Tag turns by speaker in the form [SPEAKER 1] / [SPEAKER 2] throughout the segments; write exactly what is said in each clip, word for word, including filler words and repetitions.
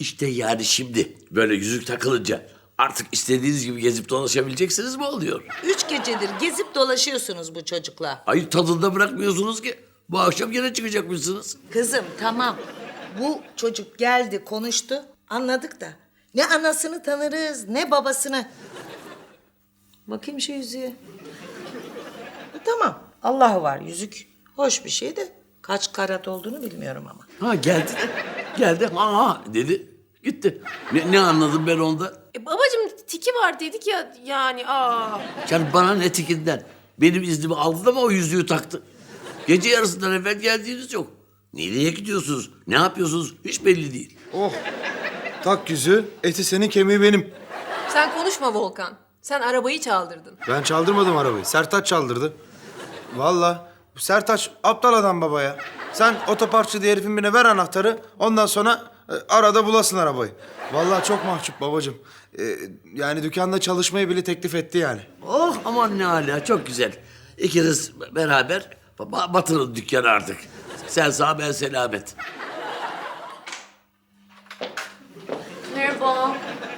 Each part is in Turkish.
[SPEAKER 1] İşte yani şimdi böyle yüzük takılınca artık istediğiniz gibi gezip dolaşabileceksiniz mi oluyor?
[SPEAKER 2] Üç gecedir gezip dolaşıyorsunuz bu çocukla.
[SPEAKER 1] Hayır tadında bırakmıyorsunuz ki. Bu akşam gene çıkacakmışsınız.
[SPEAKER 2] Kızım tamam. Bu çocuk geldi konuştu. Anladık da. Ne anasını tanırız ne babasını. Bakayım şu yüzüğe. Tamam. Allah'ı var yüzük. Hoş bir şey de kaç karat olduğunu bilmiyorum ama.
[SPEAKER 1] Ha geldi. Geldi ha ha dedi. Gitti. Ne, ne anladım ben onda?
[SPEAKER 3] E, babacığım tiki var dedik ya yani aa.
[SPEAKER 1] Yani bana ne tikinden? Benim iznimi aldı da mı o yüzüğü taktı? Gece yarısından evvel geldiğiniz yok. Nereye gidiyorsunuz? Ne yapıyorsunuz? Hiç belli değil.
[SPEAKER 4] Oh. Tak yüzü, eti senin kemiği benim.
[SPEAKER 3] Sen konuşma Volkan. Sen arabayı çaldırdın.
[SPEAKER 4] Ben çaldırmadım arabayı. Sertaç çaldırdı. Vallahi bu Sertaç aptal adam baba ya. Sen otoparkçı diye herifin birine ver anahtarı. Ondan sonra e, arada bulasın arabayı. Vallahi çok mahcup babacığım. E, yani dükkanda çalışmayı bile teklif etti yani.
[SPEAKER 1] Oh aman ne hala çok güzel. İkiniz beraber ba- batırın dükkanı artık. Sen sağ ben selamet.
[SPEAKER 5] Merhaba.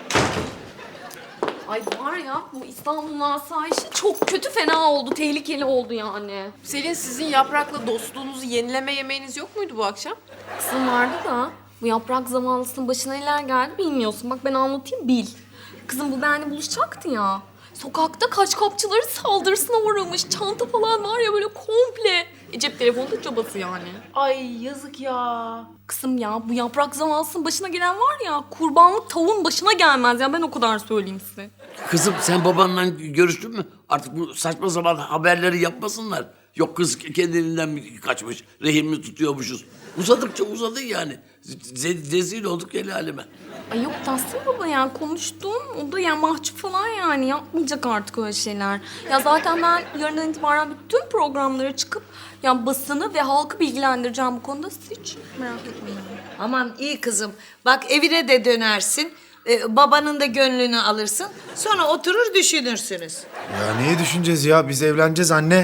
[SPEAKER 5] Ay var ya bu İstanbul'un asayişi çok kötü fena oldu. Tehlikeli oldu yani.
[SPEAKER 3] Selin sizin yaprakla dostluğunuzu yenileme yemeğiniz yok muydu bu akşam?
[SPEAKER 5] Kızım vardı da bu yaprak zavallısının başına neler geldi bilmiyorsun. Bak ben anlatayım bil. Kızım bu benimle buluşacaktı ya. Sokakta kaç kapçıları saldırısına uğramış. Çanta falan var ya böyle komple. E, cep telefonu da cabası yani.
[SPEAKER 3] Ay yazık ya.
[SPEAKER 5] Kızım ya bu yaprak zavallısının başına gelen var ya kurbanlık tavuğun başına gelmez ya ben o kadar söyleyeyim size.
[SPEAKER 1] Kızım sen babanla görüştün mü? Artık bu saçma sapan haberleri yapmasınlar. Yok kız kendiliğinden mi kaçmış, rehin mi tutuyormuşuz. Uzadıkça uzadı yani. Z- rezil olduk el aleme.
[SPEAKER 5] Ay yok Tahsin baba ya konuştum. O da ya mahcup falan yani yapmayacak artık öyle şeyler. Ya zaten ben yarından itibaren bütün programlara çıkıp ya basını ve halkı bilgilendireceğim bu konuda. Siz hiç merak etmeyin.
[SPEAKER 2] Aman iyi kızım. Bak evine de dönersin. Ee, babanın da gönlünü alırsın. Sonra oturur düşünürsünüz.
[SPEAKER 4] Ya neyi düşüneceğiz ya? Biz evleneceğiz anne.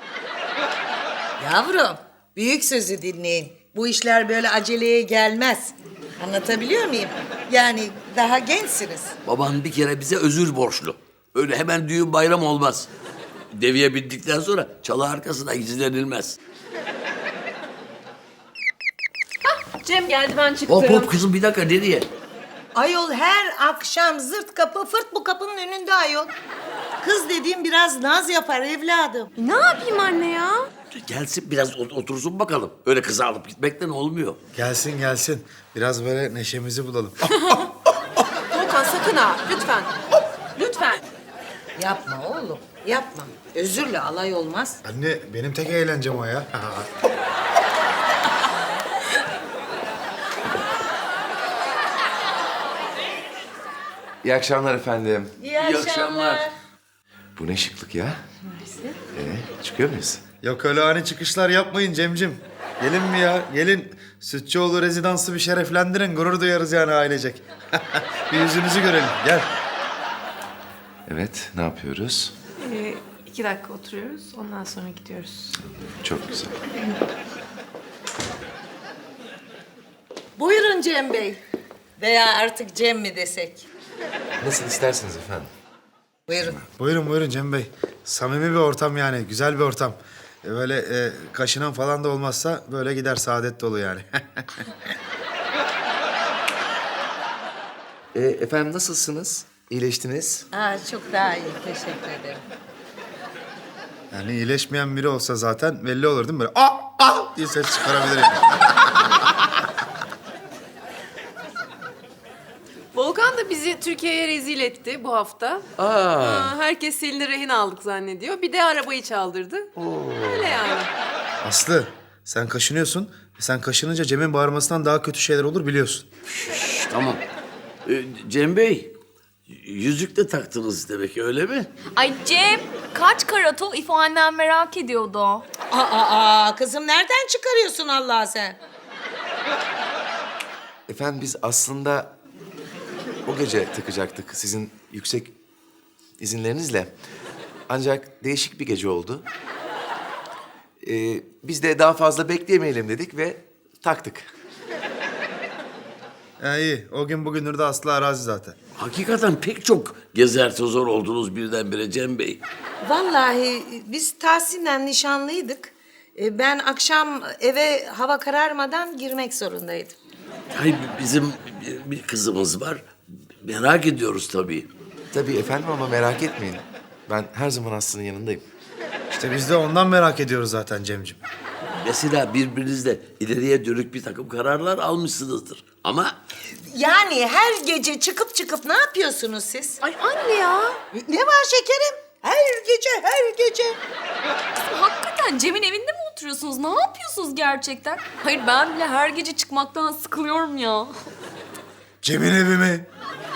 [SPEAKER 2] Yavrum büyük sözü dinleyin. Bu işler böyle aceleye gelmez. Anlatabiliyor muyum? Yani daha gençsiniz.
[SPEAKER 1] Baban bir kere bize özür borçlu. Öyle hemen düğün bayram olmaz. Deviye bindikten sonra çalı arkasına gizlenilmez.
[SPEAKER 3] Cem geldi ben çıktım.
[SPEAKER 1] Hop hop kızım bir dakika nereye?
[SPEAKER 2] Ayol her akşam zırt kapı fırt bu kapının önünde ayol. Kız dediğim biraz naz yapar evladım.
[SPEAKER 3] E, ne yapayım anne ya?
[SPEAKER 1] Gelsin biraz ot- otursun bakalım. Öyle kızı alıp gitmekten olmuyor.
[SPEAKER 4] Gelsin gelsin. Biraz böyle neşemizi bulalım.
[SPEAKER 3] Volkan sakın ha lütfen. Lütfen.
[SPEAKER 2] Yapma oğlum yapma. Özürle alay olmaz.
[SPEAKER 4] Anne benim tek eğlencem o ya.
[SPEAKER 6] İyi akşamlar efendim.
[SPEAKER 2] İyi
[SPEAKER 1] akşamlar.
[SPEAKER 6] Bu ne şıklık ya? Ee, çıkıyor muyuz?
[SPEAKER 4] Yok öyle ani çıkışlar yapmayın Cemcim. Gelin mi ya? Gelin. Sütçüoğlu rezidansı bir şereflendirin. Gurur duyarız yani ailecek. Bir yüzünüzü görelim. Gel.
[SPEAKER 6] Evet, ne yapıyoruz?
[SPEAKER 3] Ee, iki dakika oturuyoruz ondan sonra gidiyoruz.
[SPEAKER 6] Çok güzel.
[SPEAKER 2] Buyurun Cem Bey. Veya artık Cem mi desek?
[SPEAKER 6] Nasıl isterseniz efendim.
[SPEAKER 2] Buyurun.
[SPEAKER 4] Buyurun buyurun Cem Bey. Samimi bir ortam yani. Güzel bir ortam. E, Böyle e, kaşınan falan da olmazsa böyle gider saadet dolu yani.
[SPEAKER 6] Ee, efendim nasılsınız? İyileştiniz?
[SPEAKER 2] Aa, çok daha iyi teşekkür ederim.
[SPEAKER 4] Yani iyileşmeyen biri olsa zaten belli olur değil mi? Böyle ah ah diye ses çıkarabilir yani.
[SPEAKER 3] Volkan da bizi Türkiye'ye rezil etti bu hafta.
[SPEAKER 1] Aa.
[SPEAKER 3] Aa, herkes Selin'i rehin aldık zannediyor. Bir de arabayı çaldırdı. Öyle yani.
[SPEAKER 4] Aslı sen kaşınıyorsun. Sen kaşınınca Cem'in bağırmasından daha kötü şeyler olur biliyorsun.
[SPEAKER 1] Şş, tamam. Ee, Cem Bey, yüzük de taktınız demek öyle mi?
[SPEAKER 5] Ay Cem kaç karat o İfo annem merak ediyordu.
[SPEAKER 2] Aa, aa, aa, kızım nereden çıkarıyorsun Allah sen?
[SPEAKER 6] Efendim biz aslında o gece takacaktık sizin yüksek izinlerinizle. Ancak değişik bir gece oldu. Ee, biz de daha fazla bekleyemeyelim dedik ve taktık.
[SPEAKER 4] Ya iyi. O gün bugündür de Aslı arazi zaten.
[SPEAKER 1] Hakikaten pek çok gezer tozor oldunuz birdenbire Cem Bey.
[SPEAKER 2] Vallahi biz Tahsin'le nişanlıydık. E, Ben akşam eve hava kararmadan girmek zorundaydım.
[SPEAKER 1] Hayır, bizim bir kızımız var. Merak ediyoruz tabii.
[SPEAKER 6] Tabii efendim ama merak etmeyin. Ben her zaman Aslı'nın yanındayım.
[SPEAKER 4] İşte biz de ondan merak ediyoruz zaten Cemcim.
[SPEAKER 1] Mesela birbirinizle ileriye dönük bir takım kararlar almışsınızdır. Ama
[SPEAKER 2] Yani her gece çıkıp çıkıp ne yapıyorsunuz siz?
[SPEAKER 3] Ay anne ya.
[SPEAKER 2] Ne var şekerim? Her gece, her gece.
[SPEAKER 5] Hakikaten Cem'in evinde mi oturuyorsunuz? Ne yapıyorsunuz gerçekten? Hayır ben bile her gece çıkmaktan sıkılıyorum ya.
[SPEAKER 4] Cem'in evi mi?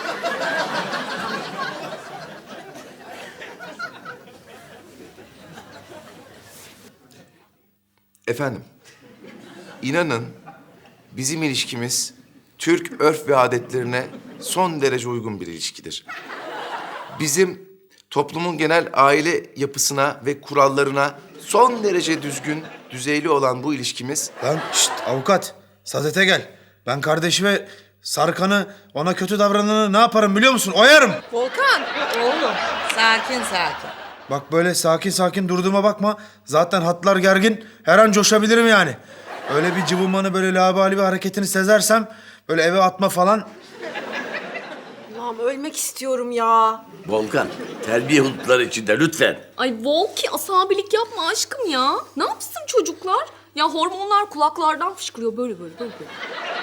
[SPEAKER 6] Efendim, inanın bizim ilişkimiz Türk örf ve adetlerine son derece uygun bir ilişkidir. Bizim toplumun genel aile yapısına ve kurallarına son derece düzgün, düzeyli olan bu ilişkimiz...
[SPEAKER 4] Lan şşt avukat. Sadete gel. Ben kardeşime Sarkan'ı, ona kötü davrananı ne yaparım biliyor musun? Oyarım.
[SPEAKER 3] Volkan.
[SPEAKER 2] Oğlum, sakin sakin.
[SPEAKER 4] Bak böyle sakin sakin durduğuma bakma. Zaten hatlar gergin. Her an coşabilirim yani. Öyle bir cıvımanı, böyle labali bir hareketini sezersem... ...böyle eve atma falan...
[SPEAKER 3] Allah'ım ölmek istiyorum ya.
[SPEAKER 1] Volkan, terbiye hudutları içinde lütfen.
[SPEAKER 5] Ay Volki asabilik yapma aşkım ya. Ne yapsın çocuklar? Ya hormonlar kulaklardan fışkırıyor böyle böyle böyle. böyle.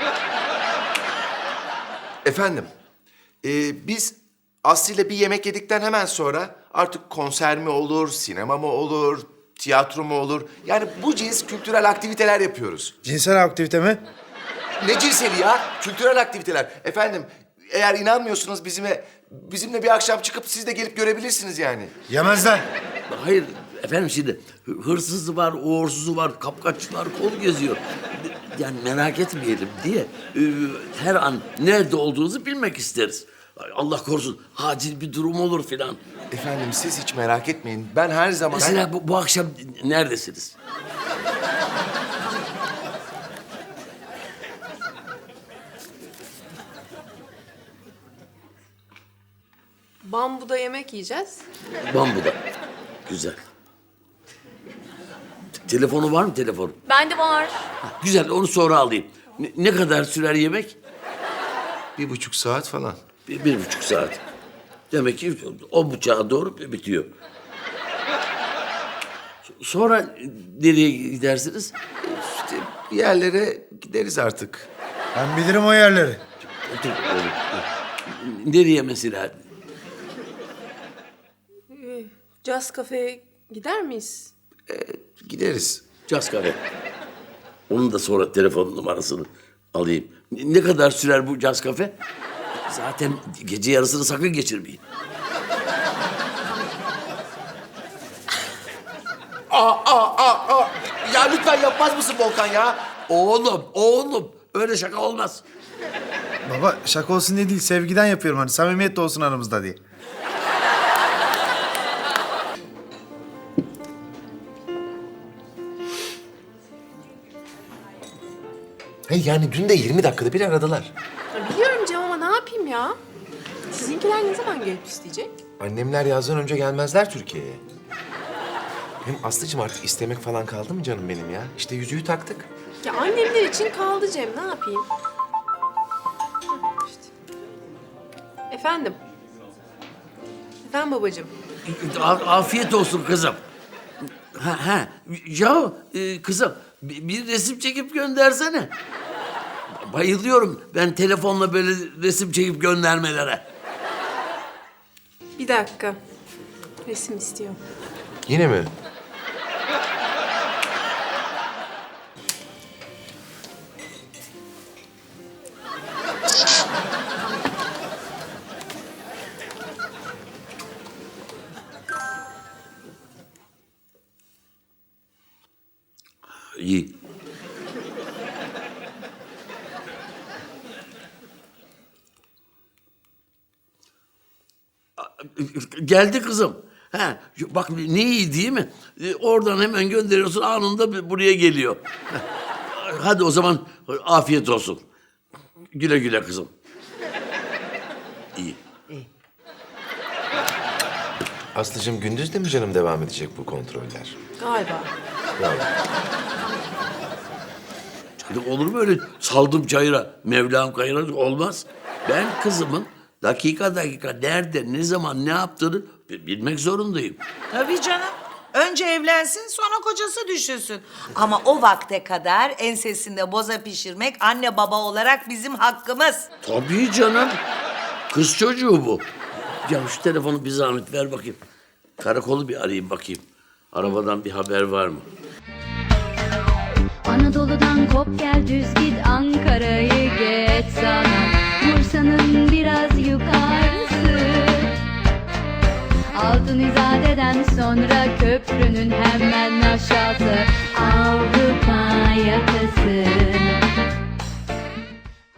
[SPEAKER 6] Efendim, e, biz Aslı ile bir yemek yedikten hemen sonra artık konser mi olur, sinema mı olur, tiyatro mu olur? Yani bu cins kültürel aktiviteler yapıyoruz.
[SPEAKER 4] Cinsel aktivite mi?
[SPEAKER 6] Ne cinseli ya? Kültürel aktiviteler. Efendim, eğer inanmıyorsunuz bizime, bizimle bir akşam çıkıp siz de gelip görebilirsiniz yani.
[SPEAKER 4] Yemezler.
[SPEAKER 1] Hayır efendim, şimdi hı- hırsızı var, uğursuzu var, kapkaççılar kol geziyor. Yani merak etmeyelim diye e, her an nerede olduğunuzu bilmek isteriz. Ay, Allah korusun acil bir durum olur filan.
[SPEAKER 6] Efendim siz hiç merak etmeyin. Ben her zaman...
[SPEAKER 1] Mesela bu, bu akşam neredesiniz?
[SPEAKER 3] Bambuda yemek yiyeceğiz.
[SPEAKER 1] Bambu'da. Güzel. Te- Telefonu var mı telefonu?
[SPEAKER 5] Bende var.
[SPEAKER 1] Güzel, onu sonra alayım. Ne, ne kadar sürer yemek?
[SPEAKER 6] Bir buçuk saat falan.
[SPEAKER 1] Bir, bir buçuk saat. Demek ki o buçuğa doğru bitiyor. Sonra nereye gidersiniz?
[SPEAKER 6] İşte bir yerlere gideriz artık.
[SPEAKER 4] Ben bilirim o yerleri.
[SPEAKER 1] Otur oğlum. Nereye mesela?
[SPEAKER 3] Caz kafeye gider miyiz?
[SPEAKER 6] Gideriz.
[SPEAKER 1] Caz kafe. Onun da sonra telefon numarasını alayım. Ne ne kadar sürer bu caz kafe? Zaten gece yarısını sakın geçirmeyin.
[SPEAKER 6] Aa, aa, aa, aa. Ya lütfen yapmaz mısın Volkan ya?
[SPEAKER 1] Oğlum, oğlum. Öyle şaka olmaz.
[SPEAKER 4] Baba şaka olsun diye değil, sevgiden yapıyorum hani. Samimiyet de olsun aramızda diye.
[SPEAKER 6] Hey yani dün de yirmi dakikada bir aradılar.
[SPEAKER 3] Ya biliyorum Cem ama ne yapayım ya? Sizinkiler ne zaman gelip isteyecek?
[SPEAKER 6] Annemler yazdan önce gelmezler Türkiye'ye. Hem Aslı'cığım artık istemek falan kaldı mı canım benim ya? İşte yüzüğü taktık.
[SPEAKER 3] Ya annemler için kaldı Cem, ne yapayım? Hı, işte. Efendim? Efendim babacığım?
[SPEAKER 1] A- Afiyet olsun kızım. Ha, ha. Ya e, kızım bir, bir resim çekip göndersene. Bayılıyorum ben telefonla böyle resim çekip göndermelere.
[SPEAKER 3] Bir dakika. Resim istiyor.
[SPEAKER 6] Yine mi?
[SPEAKER 1] İyi. Geldi kızım. Ha, bak ne iyi değil mi? E, Oradan hemen gönderiyorsun, anında buraya geliyor. Hadi o zaman afiyet olsun. Güle güle kızım. İyi.
[SPEAKER 6] Aslıcığım gündüz de mi canım devam edecek bu kontroller?
[SPEAKER 3] Galiba.
[SPEAKER 1] Canım olur mu öyle saldım çayıra, Mevlam kayıra olmaz. Ben kızımın dakika dakika nerede, ne zaman, ne yaptığını bi- bilmek zorundayım.
[SPEAKER 2] Tabii canım. Önce evlensin sonra kocası düşünsün. Ama o vakte kadar ensesinde boza pişirmek anne baba olarak bizim hakkımız.
[SPEAKER 1] Tabii canım. Kız çocuğu bu. Ya şu telefonu bir zahmet ver bakayım. Karakolu bir arayayım bakayım. Arabadan bir haber var mı?
[SPEAKER 7] Anadolu'dan kop gel düz git Ankara'yı geç sana Bursa'nın biraz yukarısı Altın İzade'den sonra köprünün hemen aşağısı